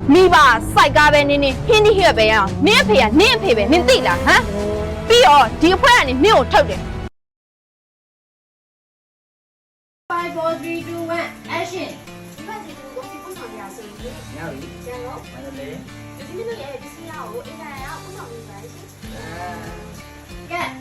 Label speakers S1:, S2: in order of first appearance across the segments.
S1: မိဘစိုက်ကားပဲနင်းဟင်းဒီဟဲ့ပဲရအောင်နင်းအဖေကနင်းအဖေပဲနင်းသိလားဟမ်ပြီးတော့ဒီအဖွဲကနေနင်းကိုထုတ်တယ်
S2: 5 4 3 2 1 action
S3: ဒီဘက်ဒီကိုဒီပုံဆောင်ရဆိုရင်ရပြီကျန်တော့မန္တလေးဒီနေ့ရဲ့ဒီစီးရကိုအင်္ဂါရပုံဆောင်နေပါရှင်ကဲ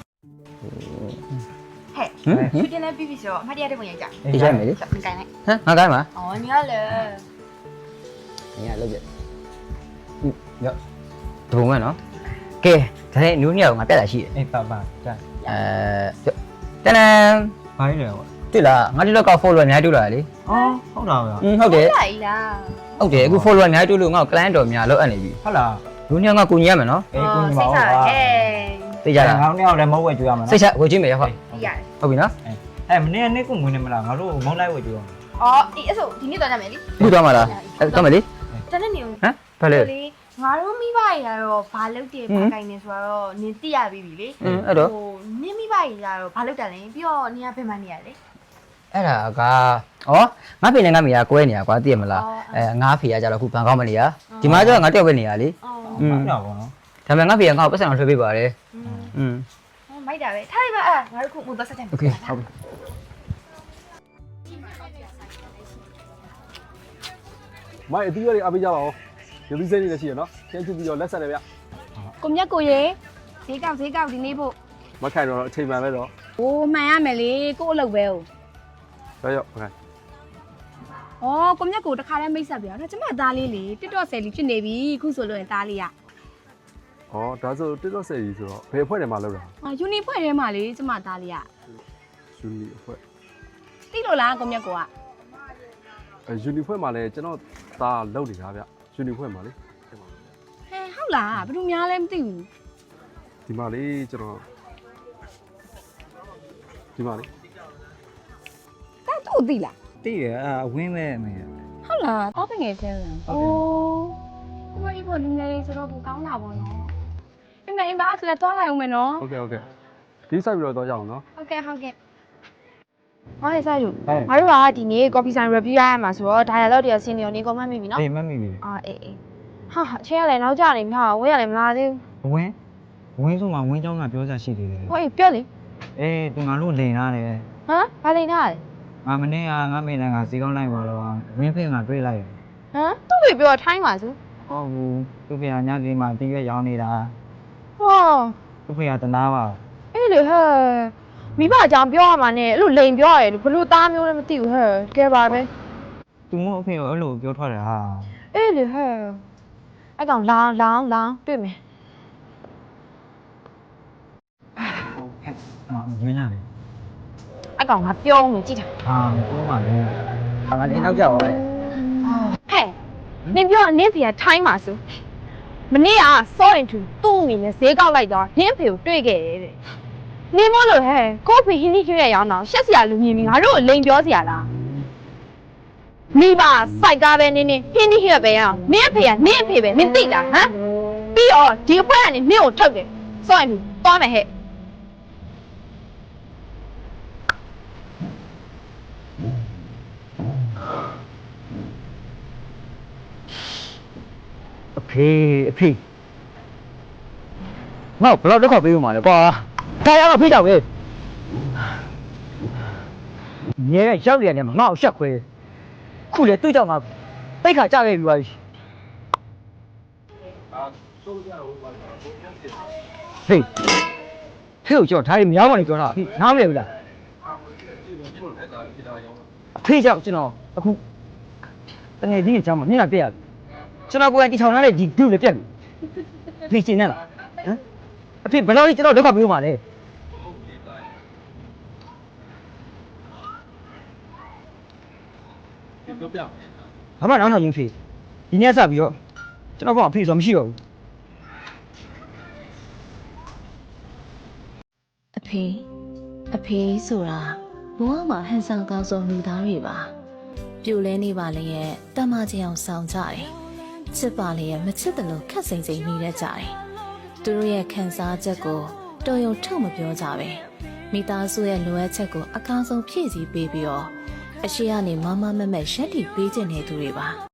S3: ဟဲ့သူတင်လည်းပြီးပြီဆိုတော့အမှတ်တရတဲ့ပုံရိုက်ကြ
S4: အေးရိုက်မယ်လေ
S3: ဆက်ပြန်ကိုင်းလိုက်
S4: ဟမ်ငါကိုင်းမှာ
S3: အော်ညီကလည်း
S4: ငါလောက်ပြရောဒုံမဲ့နော်ကဲဒါနဲ့နူးညောင်ငါပြတ်တာရှိတယ်
S5: အေးပါပါကြာ
S4: တန်တန်
S5: ဘာလဲပေါ့
S4: တွေ့လားငါဒီလောက်က follower အများတွေ့လာလေ
S5: အော်ဟုတ်လားဗျာ
S4: ဟုတ်တယ်
S3: လာကြီးလား
S4: ဟုတ်တယ်အခု follower အများတွေ့လို့ငါ့ကို client တော်များလောက်အပ်နေပြီ
S5: ဟုတ်လား
S4: နူးညောင်ကကိုညီရမယ်နော်
S5: အေးကိုညီမ
S3: စိတ်
S5: ပါ
S3: စား
S5: ဦး
S3: ဟဲ့
S4: သိကြလား
S5: ငါတို့လည်းမဟုတ်ဝဲကြွရမှာ
S4: စိ
S5: နော်
S4: တ်ချဝေချင်းမယ်ရဟုတ်
S3: ရတယ်
S4: ဟုတ်ပြီနော်
S5: အဲမနေ့ကကိုငွေနေမလားငါတို့မုန်းလိုက်ဝဲကြွရမှာ
S3: အော်အေးအဲ့ဆိုဒီနေ့တော့ကြမယ်လေ
S4: ခုသွားမှာလားသွားမယ်လေ
S3: တနေ့နေဦး
S4: ဟမ်ဘာလဲ
S3: လေငါတို့မိဘတွေကတော့ဘာလုပ်တယ်ဘာကိုင်းနေဆိုတော့နင်သိရပြီလေ
S4: အဲ့တော့
S3: နင်မိဘတွေကတော့ဘာလုပ်တယ်လဲပြီးတော့နင်ကဘယ်မှနေရလဲ
S4: အဲ့ဒါကဩငါဖေနဲ့ငါမေကကွဲနေတာကွာသိရမလားငါဖေကကြတော့ခုဘန်ကောက်မနေရဒီမှာကျတော့ငါတယောက်ပဲနေရလေ
S3: အော်
S5: ဟုတ်လားပေါ့နော်
S4: ဒါပေမဲ့ငါဖေကငါ့ကိုပတ်စံအောင်ထွေးပေးပါတယ်อืม
S3: မိုက်တာပဲထားလိုက်ပါအဲ့ငါတို့ခုမို့တော့ဆက်တယ်
S4: โอเคဟုတ်ပြီ
S6: မိုက်အသီးရွက်တွေအားပေးကြပါဦးရုပ်သီးစိမ့်နေလည်းရှိရနော်ကျင်းချပြီးတော့လက်ဆက်တယ်ဗျ
S1: ကိုမြတ်ကိုရေဈေးကောက်ဒီနေ့ဖို့
S6: မခိုင်တော့အချိန်မှန်ပဲတော့
S1: โอ้မှန်ရမယ်လေကို့အလုပ်ပဲ哦
S6: ရောက်မခိုင်
S1: ဩကိုမြတ်ကိုတခါတည်းမိတ်ဆက်ပြအောင်ဒါကျမသားလေးလေတစ်တော့ဆယ်လီဖြစ်နေပြီခုဆိုလို့ရင်သားလေးอ่ะ
S6: ဩဒါဆိုတစ်တော့ဆယ်ကြီးဆိုတော့ဘယ်အဖွဲ့ထဲမှာလောက်တာ
S1: ယူနီဖွဲ့ထဲမှာလေကျမသားလေးอ่ะ
S6: ယူနီအဖွဲ့
S1: သိလို့လားကိုမြတ်ကိုက
S6: ယူနီဖွဲ့မှာလည်းကျွန်တော်သားလောက်နေတာဗျယူနီဖွဲ့မှာလေ
S1: ဟဲဟုတ်လားဘယ်သူများလဲမသိဘူး
S6: ဒီမှာလေကျွန်တော်ဒီမှာလေ
S1: ဒါသူ့သိလား
S5: တိရအဝင်းမဲ့မယ်
S1: ဟုတ်လားတော့ငယ်သေးတယ်အိုးဘာကြီးပေါ်နေနေဆိုတော့ဘူကောင်းတာပေါ့နော်အမေအမအဲ့ဒါတော့လိုက်အောင်မယ်နော်
S6: โอเคဒီဆိုင်ပြီးတော့ရအောင်နော်
S1: ဟုတ်ကဲ့ဟောဟဲ့စားယူငါတို့ကဒီနေ့ coffee sign review ရရမှာဆိုတော့ dialogue တွေကဆင်းနေရောနေ comment မိပြီနော်
S5: အေးမမိပြီ
S1: အာအေးဟာအချင်းရလဲနောက်ကြနေမှာဝဲရလဲမလာသေး
S5: ဝင်းဆိုမှဝင်းเจ้าကပြောစားရှိသေးတယ်
S1: ဘူးဟိုအေးပြောလေ
S5: အေးသူငါတို့လင်လာတယ်
S1: ဟမ်ဘာလိန်ထားလဲ
S5: ငါမနေ့ကငါမိနကစီကောင်းလိုက်ပါတော့ဝင်းဖေးကတွေ့လိုက်တယ်
S1: ဟမ်သူ့ပြေပြောထိုင်းပါစု
S5: ဟုတ်ဘူးသူဖေကညစီမှာတီးရွက်ရောင်းနေတာ
S1: ဟော
S5: သူဖေကတနာပါ
S1: အေးလေဟဲ့မိဘအကြောင်းပြောရမှာနဲ့အဲ့လိုလိန်ပြောရတယ်ဘလို့သားမျိုးလည်းမသိဘူးဟဲ့ကဲပါပဲ
S5: သူမို့အဖေကိုအဲ့လိုပြောထွက်တယ်ဟာ
S1: အေးလေဟဲ့အဲ့ကောင်လောင်းတွေ့မယ်
S5: မင်းလာလေ
S1: အဲ့ကောင်ငါပြောနေကြည့်တာ
S5: ဟာပြောပါလေငါလည်းနောက်ကြောက်ပါလေ
S1: ဟဲ့နင်ပြောနင်ဖေကထိုင်းပါစုမနေ့ကစောရင်သူ့အမိနဲ့ဈေးကောက်လိုက်တော့နင်ဖေကိုတွေ့ခဲ့တယ်တဲ့နင်မလို့ဟဲ့ကိုဖေဟင်းကြီးကျွေးရအောင်တော့ရှက်စရာလူမြင်ပြီးငါတို့ကိုလိန်ပြောစရာလားမိဘစိုက်ကားပဲနင်းဟင်းကြီးဟဲ့ပဲရအောင်နင်အဖေကနင်အဖေပဲနင်သိလားဟမ်ပြီးတော့ဒီအဖွဲကနေနင်ကိုထုတ်တယ်စောရင်သူသွားမယ်ဟဲ့
S4: အဖေငါ့ဘယ်တော့ခါပေးဦးမှာလဲကွာဒါရတော့ဖေးတော့ပဲညရဲ့ရောက်နေတယ်မှာငါ့ကိုရှက်ခွဲခုလေတွေ့ကြမှာတိတ်ခါကြခဲ့ပြီပါဟေးဟေးကိုကြောက်ဒါရီမြောင်းပါနေပြောတာနားမလဲဘူးလားအဖေကြောက်ကျွန်တော်အခုတကယ်ကြီးအကြောင်းမမျက်နှာပြက်ရကျွန်တော်ကိုယ်ကတီထောင်ထားတဲ့ဒီဒုလည်းပြက်ပြီဖေးရှင်းနေလားဟမ်အဖေဘယ်တော့ကျွန်တော်ဒုက္ခပေးဦးမှာလဲဘာမှနောက်နောက်ရင်းဖေးဒီနေ့စပြီးတော့ကျွန်တော်ကအဖေဆိုမရှိတော့ဘူး
S7: အဖေဆိုတာဘဝမှာဟန်ဆောင်ကောင်းဆုံးလူသားတွေပါပြိုလဲနေပါလေရဲ့တမချင်အောင်ဆောင်ကြတယ်ချစ်ပါလေရဲ့မချစ်တယ်လို့ခက်စိမ်စိမ်နေတတ်ကြတယ်သူတို့ရဲ့ခံစားချက်ကိုတော်ရုံထုတ်မပြောကြပဲမိသားစုရဲ့လိုအပ်ချက်ကိုအကောင်းဆုံးဖြည့်ဆည်းပေးပြီးတော့အရှိကနေမမမက်မက်ရှက်တီပေးခြင်းနေသူတွေပါ